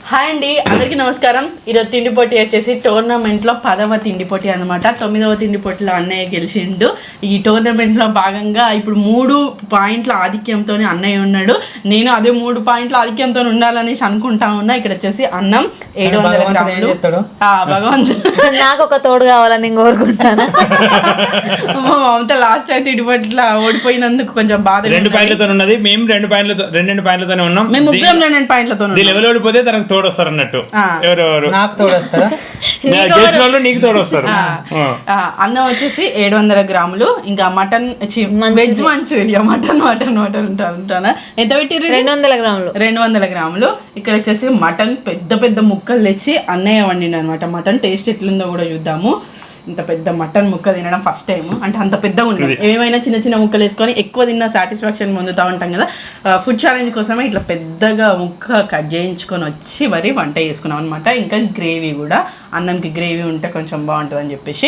Hi అండి, అందరికీ నమస్కారం. ఈరోజు తిండి పోటీ వచ్చేసి టోర్నమెంట్లో 10వ తిండి పోటీ అనమాట. 9వ తిండి పోటీలో అన్నయ్య గెలిచిండు. ఈ టోర్నమెంట్లో భాగంగా ఇప్పుడు 3 పాయింట్ల ఆధిక్యంతో అన్నయ్య ఉన్నాడు. నేను అదే 3 పాయింట్ల ఆధిక్యంతో ఉండాలనేసి అనుకుంటా ఉన్నా. ఇక్కడ వచ్చేసి అన్నం 700 గ్రాములు. భగవంతుడు నాకు ఒక తోడు కావాలని నేను కోరుకుంటాను. మమత లాస్ట్ అయితే తిండి పోటీలో ఓడిపోయినందుకు కొంచెం బాధ. 2 పాయింట్లతో ఉన్నది, మేము 2 పాయింట్లతోనే ఉన్నాం. మేము ముగ్గురం 2 పాయింట్లతో లెవెల్ ఓడిపోతే తనకు తోడు వస్తారు అన్నట్టు. ఎవరెవరు నాకు తోడు వస్తారా? గెలిచిన వాళ్ళు నీకు తోడు వస్తారు. అన్నం వచ్చేసి 700 గ్రాములు. ఇంకా మటన్ వెజ్ మంచూరియా మటన్ ఉంటానా ఎంత పెట్టిర్రు? 200 గ్రాములు. 200 గ్రాములు. ఇక్కడ వచ్చేసి మటన్ పెద్ద పెద్ద ముక్కలు తెచ్చి అన్నయ్య వండిండు అనమాట. మటన్ టేస్ట్ ఎట్లుందో కూడా చూద్దాము. ఇంత పెద్ద మటన్ ముక్క తినడం ఫస్ట్ టైం. అంటే అంత పెద్దగా ఉండదు, ఏమైనా చిన్న చిన్న ముక్కలు వేసుకొని ఎక్కువ తిన్న సాటిస్ఫాక్షన్ పొందుతూ ఉంటాం కదా. ఫుడ్ ఛాలెంజ్ కోసమే ఇట్లా పెద్దగా ముక్క కట్ చేయించుకొని వచ్చి మరి వంట చేసుకున్నాం అనమాట. ఇంకా గ్రేవీ కూడా, అన్నంకి గ్రేవీ ఉంటే కొంచెం బాగుంటుంది అని చెప్పేసి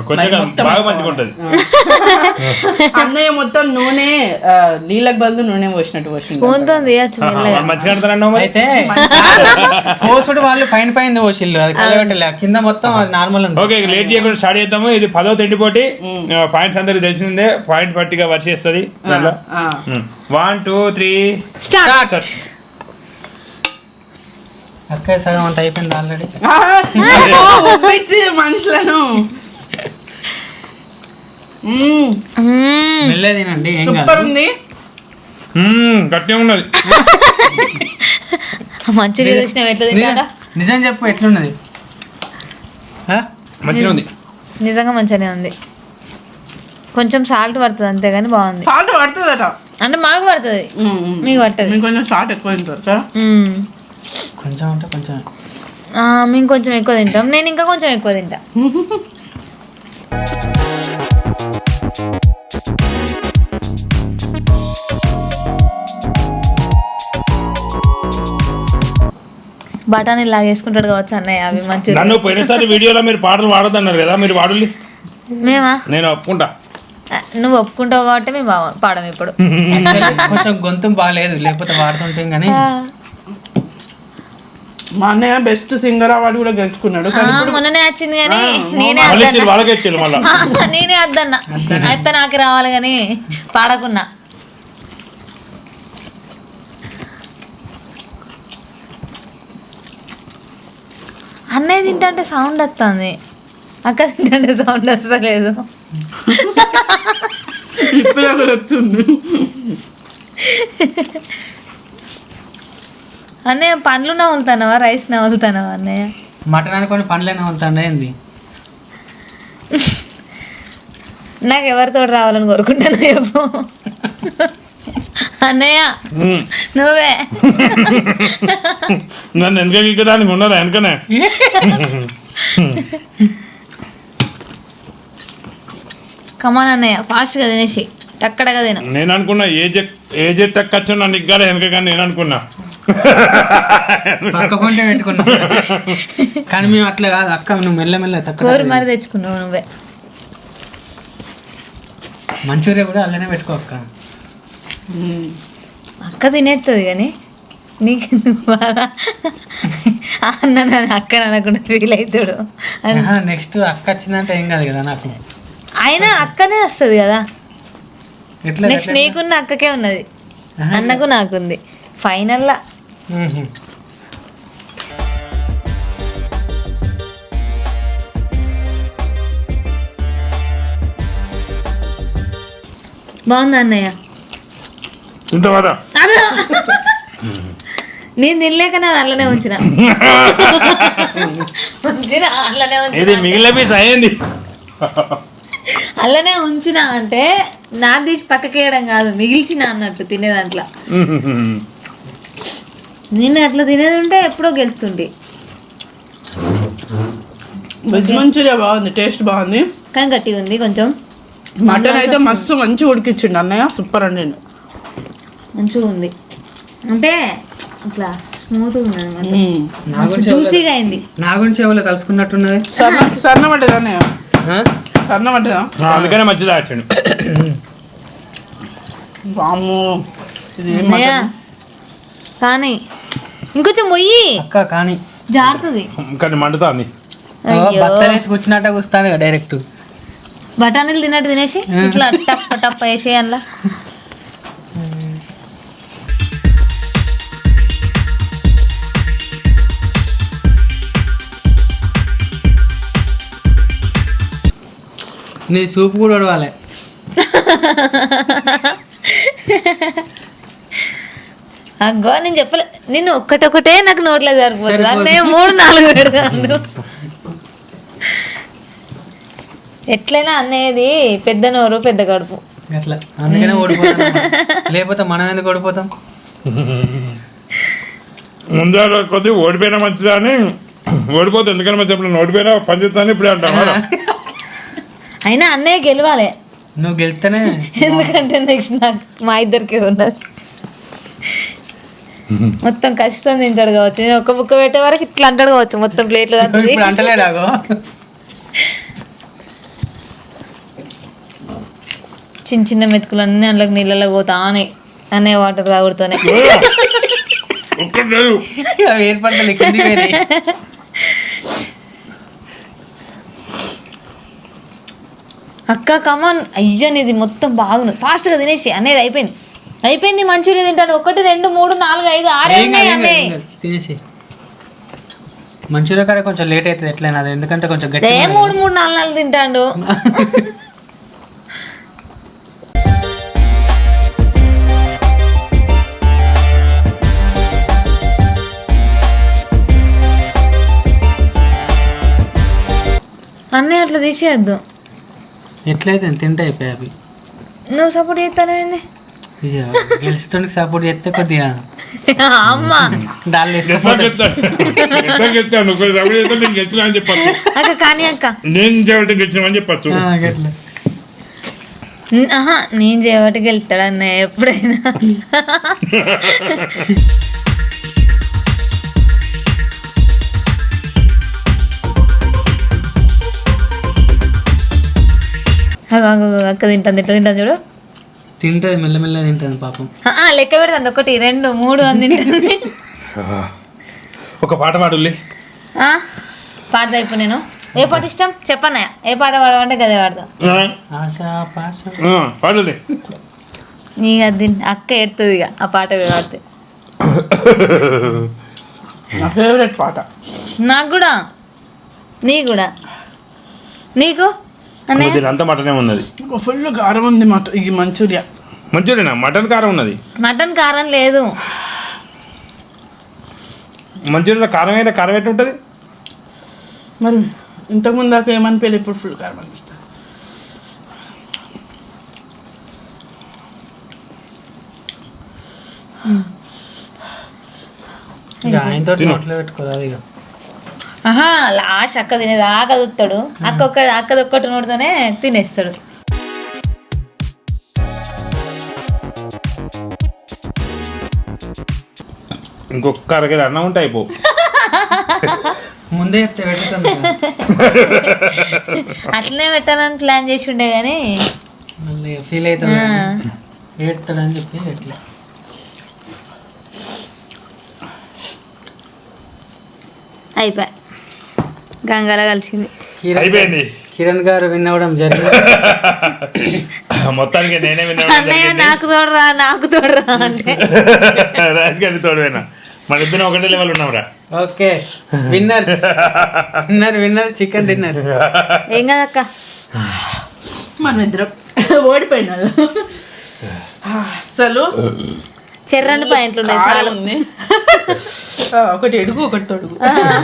అన్నయ్య మొత్తం నూనె నీళ్ళకి బదులు నూనె పోసినట్టు అయితే పోసుడు వాళ్ళు పైన పైన పోసిల్లు, అది కలగట్టలే, కింద మొత్తం నార్మల్. ఓకే, లేట్ చేయకుండా స్టార్ట్ చేద్దాము. ఇది 10వ తిండి పోటీ. పాయింట్స్ అందరికి తెలిసిందే, పాయింట్ పట్టిగా వర్షిస్తుంది. 1 2 3 స్టార్ట్. అక్క సగం అంత అయిపోయింది ఆల్రెడీ. మనుషులను వెళ్ళేదేనండి, ఏం సూపర్ ఉంది. గట్టిగా ఉన్నది. మంచిగా చూసినావు ఎట్లా తింటా? నిజం చెప్పు, ఎట్లున్నది? మంచిగా ఉంది, నిజంగా మంచిగానే ఉంది. కొంచెం సాల్ట్ పడుతుంది అంతేగాని బాగుంది. సాల్ట్ పడుతుందట అంటే మాకు పడుతుంది, మీకు పడుతుంది. కొంచెం సాల్ట్ ఎక్కువ తింటారు. కొంచెం అంటే కొంచెం, మేము కొంచెం ఎక్కువ తింటాం. నేను ఇంకా కొంచెం ఎక్కువ తింటా. బఠానీ లాగేసుకుంటాడు కావచ్చు అన్నయ్య. అవి మంచిగా. నన్ను పోయినసారి వీడియోలో మీరు పాటలు వాడదన్నారు కదా, మీరు వాడులి. మేమా? నేను ఒప్పుకుంటా. నువ్వు ఒప్పుకుంటావు కాబట్టి మేము పాడం ఇప్పుడు. కొంచెం గొంతు బాగాలేదు, లేకపోతే వాడుతుంటాం. కానీ మా అన్నయ్య బెస్ట్ సింగర్ అవార్డు కూడా గెలుచుకున్నాడు. మొన్ననే వచ్చింది కానీ నేనే వద్దన్నా. అయితే నాకు రావాలి కానీ పాడకున్నా. అన్నయ్య తింటే సౌండ్ వస్తుంది, అక్క తింటే సౌండ్ వస్తలేదు. అన్నయ్య పండ్లు నవ్వులుతానవా, రైస్ నవ్వులుతానవా? అన్నయ్య మటన్ అనుకోని పండ్లే నవ్వులుతాను. ఏంది నాకు ఎవరితో రావాలని కోరుకుంటాను చెప్పు అన్నయ్య. నువ్వే నన్ను వెనక గీకడానికి ఉన్నారా? వెనకనే కమాన్ అన్నయ్య, ఫాస్ట్ గా తినేసి టక్కడగా తిన. నేను అనుకున్నా ఏ జెట్ ఎక్కచ్చు నన్ను ఇగ్గాలి వెనక, కానీ నేను అనుకున్నా పక్క పొంటే పెట్టుకున్నా. కానీ మేము అట్లా కాదు అక్క, నువ్వు మెల్లమెల్ల కోరి మరి తెచ్చుకున్నావు నువ్వే. మంచూరియా కూడా అలానే పెట్టుకో అక్క. అక్క తినేస్తుంది కానీ నీకెందుకు బాగా అన్న అక్క అనకుండా ఫీల్ అవుతాడు. నెక్స్ట్ అక్క వచ్చిందంటే ఏం కాదు కదా నాకు. అయినా అక్కనే వస్తుంది కదా. ఎట్లా నెక్స్ట్ నీకున్న అక్కకే ఉన్నది, అన్నకు నాకుంది ఫైనల్లా. బాగుందా అన్నయ్య? నేను తినలేక నేను అల్లనే ఉంచిన అల్లనే ఉంచిన అంటే నా తీసి పక్కకేయడం కాదు, మిగిల్చిన అన్నట్టు తినే దాంట్లో. నేను అట్లా తినేది ఉంటే ఎప్పుడో గెలుస్తుంటే. వెజ్ మంచూరియా బాగుంది, టేస్ట్ బాగుంది కానీ గట్టిగా ఉంది కొంచెం. మటన్ అయితే మస్తు మంచిగా ఉడికిచ్చిండు అన్నయ్య, సూపర్ అండి, మంచిగా ఉంది. అంటే ఇట్లా స్మూత్గా ఉన్నది, జ్యూసీగా అయింది. నా గురించి ఎవరో తలుసుకున్నట్టున్నది. సన్న పడ్డది అన్నయ్య, సన్న పడ్డదా? అందుకనే మంచిదా వచ్చాడు. కానీ ఇంకొంచెం మొయ్యి అక్క కానీ జారుతుంది. కానీ మండుతా అంది. అయ్యో. బత్తలేసి కూర్చున్నట్ట కూస్తాను డైరెక్ట్. బఠానీలు తిన్నట్టు తినేసి ఇట్లా టప్ టప్ వేసి అందులో నీ సూప్ కూడా ఉడవాలి. అగ్గో నేను చెప్పలే నిన్ను ఒక్కటొక్కటే నాకు నోట్లో సరిపోతుంది అన్నీ 3-4 పెడతాను. ఎట్లయినా అనేది పెద్ద నోరు పెద్ద కడుపు అట్లా అందుకనే ఓడిపోతాం. లేకపోతే మనం ఎందుకు ఓడిపోతాం? ముందు కొద్ది ఓడిపోయినా మంచిదా అని ఓడిపోతే ఎందుకని మంచి చెప్పిన ఓడిపోయినా పని చేస్తాను ఇప్పుడు అంటాం. అయినా అన్నయ్య గెలవాలి, నువ్వు గెలిస్తేనే. ఎందుకంటే నెక్స్ట్ నాకు మా ఇద్దరికే ఉన్నది. మొత్తం కష్టం తింటాడు కావచ్చు. నేను ఒక్క బుక్క పెట్టే వరకు ఇట్లా అంటాడు కావచ్చు మొత్తం ప్లేట్లో. ఇప్పుడు అంటలేడాగో. చిన్న చిన్న మెతుకులు అన్నీ అందులోకి నీళ్ళలో పోతానే అన్నయ్య వాటర్ తాగుడుతూనే. అవి ఏర్పడలే కింది పోయినాయి. అక్క కమాన్ అయ్యని ఇది మొత్తం బాగుంది. ఫాస్ట్గా తినేసి అనేది అయిపోయింది మంచిగా తింటాడు. 1 2 3 4 5 6 ఉన్నాయి అన్నయ్య. తినేసి మంచిగా కానీ కొంచెం లేట్ అవుతుంది ఎట్లయినా అది, ఎందుకంటే కొంచెం గట్టి 3 3 4 4 తింటాడు. అన్నయ్య అట్లా తీసేయద్దు. ఎట్లయితే తింటే అయిపోయి అవి. నువ్వు సపోర్ట్ చేస్తానేంది గెలిచేటోనికి సపోర్ట్ చేస్తే కొద్దిగా అమ్మ దాళ్ళు వేసుకుపోతాడు. చెప్పచ్చు అక్క కానీ అక్క నేను చేయబట్టి గెలిచినామని చెప్పచ్చు. గట్ల నేను చేయబట్టి వెళ్తాడు అన్నయ్య ఎప్పుడైనా. అక్క తింటాను చూడు. తింటది మెల్లమెల్ల తింటది పాపం. లెక్క పెడతాను 1 2 3 అని తింటుంది. ఒక పాట పాడుల్లి. పాడతా ఇప్పుడు నేను. ఏ పాట ఇష్టం చెప్పన్నయ్య? ఏ పాట పాడమంటే గదే పాడతాం. ఆశా పాశ పాడుల్లి. నీకు అది అక్క ఎడుతుంది ఇక ఆ పాట పాడితే. నా ఫేవరెట్ పాట. నాకు కూడా, నీ కూడా, నీకు అంత మటనే ఉన్నది. ఫుల్ కారం ఉంది ఈ మంచూరియా. మంచూరియనా? మటన్ కారం ఉన్నది. మటన్ కారం లేదు. మంచూరియా కారం అయితే కారం ఎట్లా ఉంటుంది మరి? ఇంతకుముందు దాకా ఏమనిపించలేదు, ఇప్పుడు ఫుల్ కారం అనిపిస్తుంది. ఇక ఆయనతో నోట్లో పెట్టుకోరాదు ఇక. లాస్ట్ అక్క తినేది ఆకదుతాడు. అక్కదొక్కటి నోటితోనే తినేస్తాడు. ఇంకొక అరగది అన్నం ఉంటే అయిపో. ముందే చెప్తే పెట్టుతుంది. అట్లనే పెట్టాలని ప్లాన్ చేసి ఉండే కానీ మళ్ళీ ఫీల్ అవుతాడు, ఏడుతాడని చెప్పి ఎట్లా. అయిపోయి గంగాల కలిసింది. అయిపోయింది. కిరణ్ గారు విన్ అవ్వడం జరిగింది. మొత్తానికి నేనే అన్నయ్య నాకు తోడరా అంటే రాజుగారి తోడువేనా? మన ఇద్దరు ఒకటే లెవెల్ ఉన్నాంరా. Okay winner chicken dinner. ఏం కదక్క మనం ఇద్దరం ఓడిపోయిన అసలు చెర్రండి పాయింట్లు ఉన్నాయి. కారం ఉంది, ఒకటి ఎడుగు ఒకటి తొడుగు.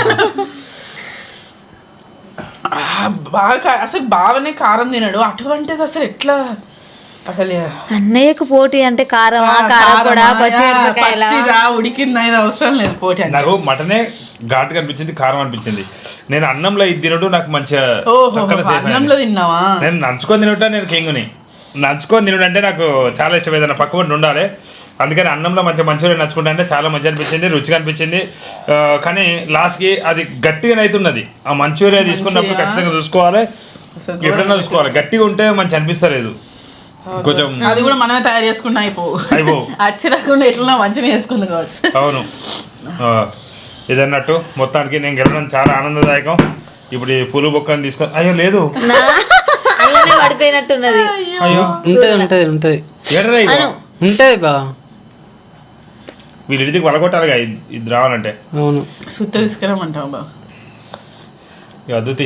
బాగా అసలు బాగానే కారం తినడు, అటువంటిది అసలు ఎట్లా అసలు? అన్నయ్యకు పోటీ అంటే కారమా కారపొడా పచ్చిరా ఉడికింది అనేది అవసరం లేదు పోటీ అంటే. నాకు మటనే ఘాటుగా అనిపించింది, కారం అనిపించింది. నేను అన్నంలో ఇది తినడు నాకు మంచిగా. అన్నంలో తిన్నావా? నేను నంచుకొని తినటా, నేను కింగుని నంచుకొని తినడం అంటే నాకు చాలా ఇష్టం. ఏదైనా పక్క పడి ఉండాలి, అందుకని అన్నంలో మంచిగా నచ్చుకుంటా అంటే చాలా మంచిగా అనిపించింది, రుచిగా అనిపించింది. కానీ లాస్ట్కి అది గట్టిగా అవుతున్నది. ఆ మంచూరియా తీసుకున్నప్పుడు ఖచ్చితంగా చూసుకోవాలి, ఎప్పుడైనా చూసుకోవాలి. గట్టిగా ఉంటే మంచి అనిపిస్తలేదు. కొంచెం అది కూడా మనమే తయారు చేసుకుంటా అయిపో అచ్చి రాకుండా ఎట్లా మంచిగా వేసుకుంది కావచ్చు. అవును. ఇదన్నట్టు మొత్తానికి నేను గెలవడం చాలా ఆనందదాయకం. ఇప్పుడు ఈ పూలు బొక్కని తీసుకొని అయ్యో లేదు అలానే పడిపోయినట్టున్నది. అయ్యో ఉంటది ఉంటది ఏడరా ఇగో. ఉంటది బా వీళ్ళు ఇంటికి వలగొట్టాలిగా ఇది రావాలంటే. అవును సుత్త తీసుకురామంటావు బాబు. ఇక అద్దుతి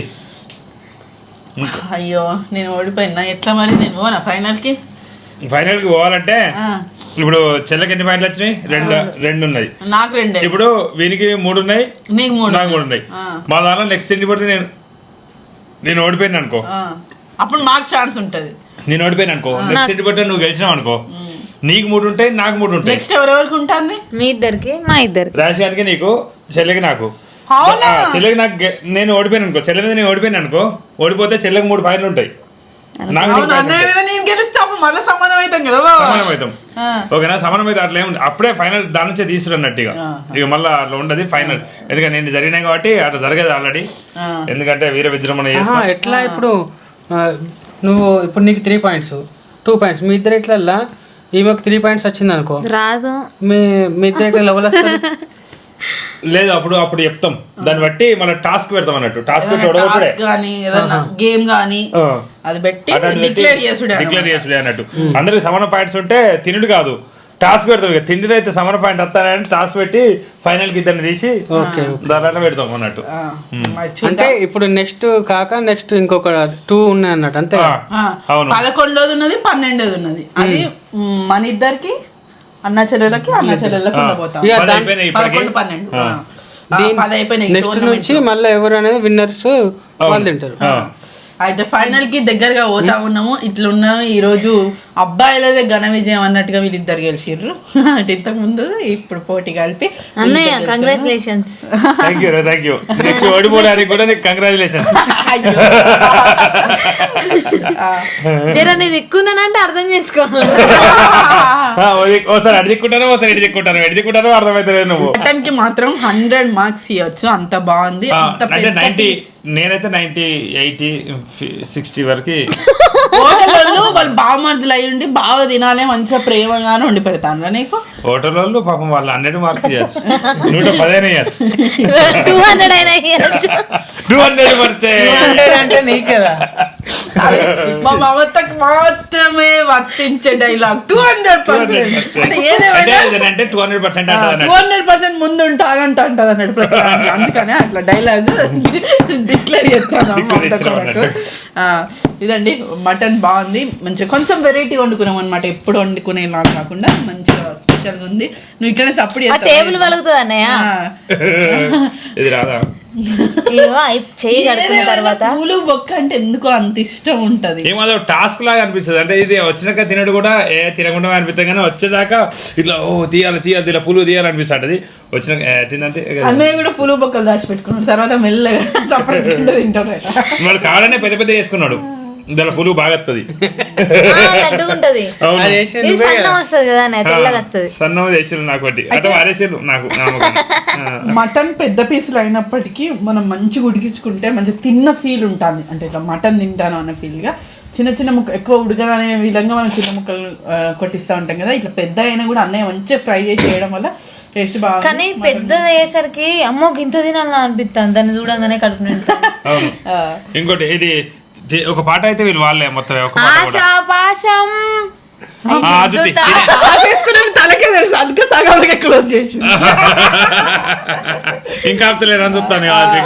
అయ్యో నేను ఓడిపోయినా ఎట్లా మరి? నేను పోనా ఫైనల్కి? ఫైనల్కి పోవాలంటే ఇప్పుడు చెల్లెకి ఎన్ని పాయింట్లు వచ్చినాయి? రెండు ఉన్నాయి. నాకు 2. ఇప్పుడు వీనికి 3 ఉన్నాయి, నీకు 3. నాకు 3 ఉన్నాయి. మా దాంట్లో నెక్స్ట్ తిండి పడితే నేను ఓడిపోయాను అనుకో, అప్పుడు మాకు ఛాన్స్ ఉంటది. నేను ఓడిపోయాను అనుకో, నెక్స్ట్ తిండి పడితే నువ్వు గెలిచినావు అనుకో, నీకు 3 ఉంటాయి, నాకు 3 ఉంటాయి. నెక్స్ట్ ఎవరెవరికి ఉంటుంది? మీ ఇద్దరికి మా ఇద్దరికి. రాశి గారికి నీకు, చెల్లెకి నాకు. చెల్లెకి నాకు నేను ఓడిపోయాను అనుకో, చెల్లె మీద నేను ఓడిపోయాను అనుకో, ఓడిపోతే చెల్లెకి 3 పాయింట్లు ఉంటాయి, నాకు 3 పాయింట్లు ఉంటాయి. నేను గెలిస్తే అప్పుడు మళ్ళీ సమానం అవుతాం కదా. సమానం అవుతాం. ఓకేనా? సమానం అయితే అట్లా ఏముంది, అప్పుడే ఫైనల్ దాని నుంచే తీసుకున్నట్టుగా. ఇక మళ్ళీ అట్లా ఉండదు ఫైనల్, ఎందుకంటే నేను జరిగినాయి కాబట్టి అట్లా జరగదు ఆల్రెడీ. ఎందుకంటే వీర విజృంభణ చేస్తా. ఎట్లా ఇప్పుడు నువ్వు ఇప్పుడు నీకు 3 పాయింట్స్ 2 పాయింట్స్, మీ ఇద్దరు ఇట్లా ఈమెకు 3 పాయింట్స్ వచ్చింది అనుకో, రాదు. మీ ఇద్దరు ఇట్లా లెవెల్ వస్తారు. లేదు అప్పుడు చెప్తాం, దాన్ని బట్టి మళ్ళీ టాస్క్ పెడతాం అన్నట్టు. టాస్క్ కానీ ఏదన్నా గేమ్ కానీ అది పెట్టి డిక్లేర్ చేసుడే అన్నట్టు. అందరికి సమాన పాయింట్స్ ఉంటే తినుడు కాదు, టాస్క్ పెడతాం. ఇక తిండి అయితే సమాన పాయింట్ వస్తానని టాస్క్ పెట్టి ఫైనల్ కి ఇద్దరిని తీసి దాంట్లో పెడతాం అన్నట్టు. అంటే ఇప్పుడు నెక్స్ట్ కాక నెక్స్ట్ ఇంకొక 2 ఉన్నాయి అన్నట్టు అంతే. అవును, 11వ ఉన్నది 12వ ఉన్నది. అది మన ఇద్దరికి అన్న చెల్లెలకి ఉండబోతాం. నెక్స్ట్ నుంచి మళ్ళీ ఎవరు అనేది విన్నర్స్ వాళ్ళు తింటారు. అయితే ఫైనల్ కి దగ్గరగా పోతా ఉన్నాము. ఇట్లున్నాము ఈ రోజు అబ్బాయిలదే ఘన విజయం అన్నట్టుగా వీళ్ళిద్దరు గెలిచిర్రు. అంటే ఇంతకు ముందు ఇప్పుడు పోటీ కలిపి. అన్నయ్య కంగ్రాచులేషన్స్. Thank you. నెక్స్ట్ ఓడిపోవడానికి కూడా నీకు కంగ్రాచులేషన్స్. జరా నేను ఎక్కున్నానంటే అర్థం చేసుకోవాలి. ఒకసారి అడి దిక్కుంటాను, ఒకసారి ఇడి దిక్కుంటాను అర్థమవుతుంది. నువ్వు మటన్ కి మాత్రం 100 మార్క్స్ ఇవ్వచ్చు, అంత బాగుంది. అంటే 90, నేనైతే 90, 80, 60 వరకు. హోటల్ వాళ్ళు బావమర్దులు అయి ఉండి బాగా తినాలి, మంచిగా ప్రేమగానే వండి పెడతాను నీకు. హోటల్ వాళ్ళు పాపం వాళ్ళు 100 మార్క్స్ ఇవ్వచ్చు, 115 ఇవ్వచ్చు, 200 అయినా ఇవ్వచ్చు. 200 అంటే నీకు కదా మా మమతకు మాత్రమే వర్తించే డైలాగ్ 200%. అంటే అంటే 200% 200% ముందు ఉంటానంట అంటది అన్నట్టు ప్రతి దాంట్లో. అందుకనే అట్లా డైలాగ్ డిక్లేర్ చేస్తాను. ఇదండి మటన్ బాగుంది, మంచిగా కొంచెం వెరైటీ వండుకున్నాం అనమాట. ఎప్పుడు వండుకునేలా కాకుండా మంచిగా స్పెషల్ గా ఉంది. నువ్వు ఇట్లనే సప్పుడు టేబుల్ వలుగుతుంది అన్నయ్య. ఇది రాదా? చేయి కడుక్కున్న తర్వాత పూలు బొక్క అంటే ఎందుకో అంత ఇష్టం ఉంటది. ఏమో టాస్క్ లాగా అనిపిస్తుంది. అంటే ఇది వచ్చినాక తినడు కూడా తినకుండా అనిపిస్తుంది, కానీ వచ్చేదాకా ఇట్లా తీయాలి ఇలా పూలు తీయాలి అనిపిస్తుంది. వచ్చినాక తిందంతే. అన్నయ్య కూడా పూలు బొక్కలు దాచి పెట్టుకున్నాడు, తర్వాత మెల్లగా సపరేట్ తింటాడు. వాడు కావాలనే పెద్ద చేసుకున్నాడు, దాని పులుగు బాగా వస్తుంది, సన్నం చేసిరు నాకు ఒకటి అంటే వారేసారు నాకు. మటన్ పెద్ద పీసులు అయినప్పటికీ మనం మంచిగా ఉడికించుకుంటే మంచిగా తిన్న ఫీల్ ఉంటుంది. అంటే ఇట్లా మటన్ తింటాను అన్న ఫీల్ గా చిన్న చిన్న ముక్క ఎక్కువ ఉడకదనే విధంగా మనం చిన్న ముక్కలు కొట్టిస్తూ ఉంటాం కదా. ఇట్లా పెద్ద అయినా కూడా అన్నయ్య మంచిగా ఫ్రై చేసి చేయడం వల్ల టేస్ట్ బాగా. కానీ పెద్దది అయ్యేసరికి అమ్మో ఇంత తినాలని అనిపిస్తాను, దాన్ని చూడంగానే కడుపు నిండుతాను. ఇంకోటి ఇది ఒక పాట అయితే వీళ్ళు వాళ్ళే మొత్తం ఆశాపాశం తలకే తెలుసు, అందుకే సగంగా క్లోజ్ చేసి ఇంకా ఆపుతలేరు అని చూస్తాను.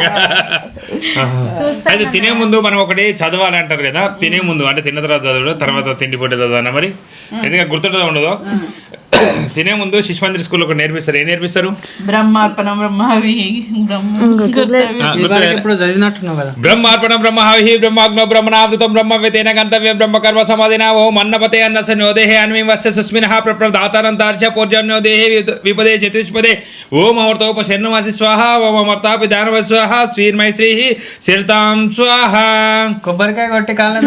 అయితే తినే ముందు మనం ఒకటి చదవాలి అంటారు కదా, తినే ముందు అంటే తిన్న తర్వాత చదవడు, తర్వాత తిండి పొట్టే చదవనా మరి, ఎందుకంటే గుర్తుంటుందో ఉండదో. తినే ముందు శిశు మందిర్ స్కూల్లో ఒకటి నేర్పిస్తారు. ఏం నేర్పిస్తారు? బ్రహ్మార్పణం బ్రహ్మహవి బ్రహ్మార్పణం బ్రహ్మహవి బ్రహ్మాగ్నో బ్రహ్మణావృతం బ్రహ్మవేతేన గంతవ్యం బ్రహ్మకర్మ సమాధినా ఓ మన్నపతే అన్నసన్యోదేహే అన్వివస్య సుస్మినః ప్రప్రదాతారంతార్చ పూర్జన్యోదేహే విపదే చతుష్పదే ఓం అమర్తోపశర్ణమసి స్వాహ ఓం అమర్తాపి దానవ స్వాహ శ్రీర్మై శ్రీ శిరతాం స్వాహ. కొబ్బరికాయ కొట్టి కాళ్ళ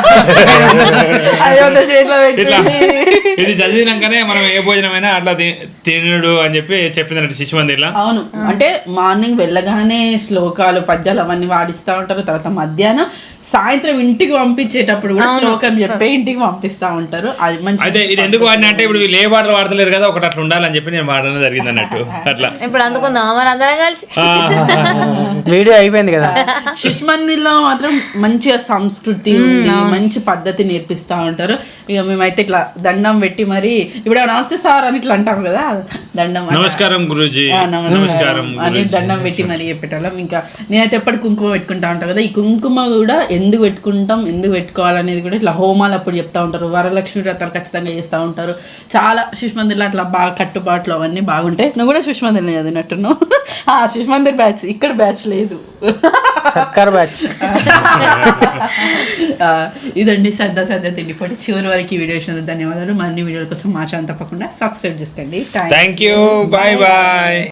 ఇది చదివినాకనే మనం ఏ భోజనమైనా అట్లా తినడు అని చెప్పి చెప్పిందంటే శిశు మందిర్లో. అవును, అంటే మార్నింగ్ వెళ్ళగానే శ్లోకాలు పద్యాలు అవన్నీ వాడిస్తూ ఉంటారు. తర్వాత మధ్యాహ్నం సాయంత్రం ఇంటికి పంపించేటప్పుడు కూడా శ్లోకం చెప్పే ఇంటికి పంపిస్తా ఉంటారు. అది మంచి అయితే ఇది ఎందుకు వాడిన అంటే ఇప్పుడు వీళ్ళు ఏ పాటలు వాడతలేరు కదా, ఒకటి అట్లా ఉండాలని చెప్పి నేను వాడడం జరిగింది అన్నట్టు అట్లా. ఇప్పుడు అందుకుందాం మరి అందరం కలిసి. వీడియో అయిపోయింది కదా. శిశు మందిర్లో మాత్రం మంచిగా సంస్కృతి ఉంది, మంచి పద్ధతి నేర్పిస్తా ఉంటారు. ఇక మేమైతే ఇట్లా దండం పెట్టి మరి ఇప్పుడు నమస్తే సార్ అని ఇట్లా అంటాం కదా, దండం నమస్కారం గురూజీ నమస్కారం అని దండం పెట్టి మరి చెప్పేటోళ్ళం. ఇంకా నేనైతే ఎప్పటి కుంకుమ పెట్టుకుంటా ఉంటాను కదా, ఈ కుంకుమ కూడా ఎందుకు పెట్టుకుంటాం, ఎందుకు పెట్టుకోవాలనేది కూడా ఇట్లా హోమాలు అప్పుడు చెప్తా ఉంటారు. వరలక్ష్మి వ్రతాలు ఖచ్చితంగా చేస్తూ ఉంటారు. చాలా శిశు మందిర్లో అట్లా బాగా కట్టుబాట్లు అవన్నీ బాగుంటాయి. నువ్వు కూడా శిశు మందిర్ చదివినట్టున్నావు. శిశు మందిర్ బ్యాచ్, ఇక్కడ బ్యాచ్ లేదు, సర్కార్ బ్యాచ్. ఇదండి సరదా సరదా తిండిపోటీ. చివరి వరకు ఈ వీడియో చూసినందుకు ధన్యవాదాలు. మరిన్ని వీడియోల కోసం మా ఛానల్ తప్పకుండా సబ్స్క్రైబ్ చేసుకోండి. Thank you. Bye bye.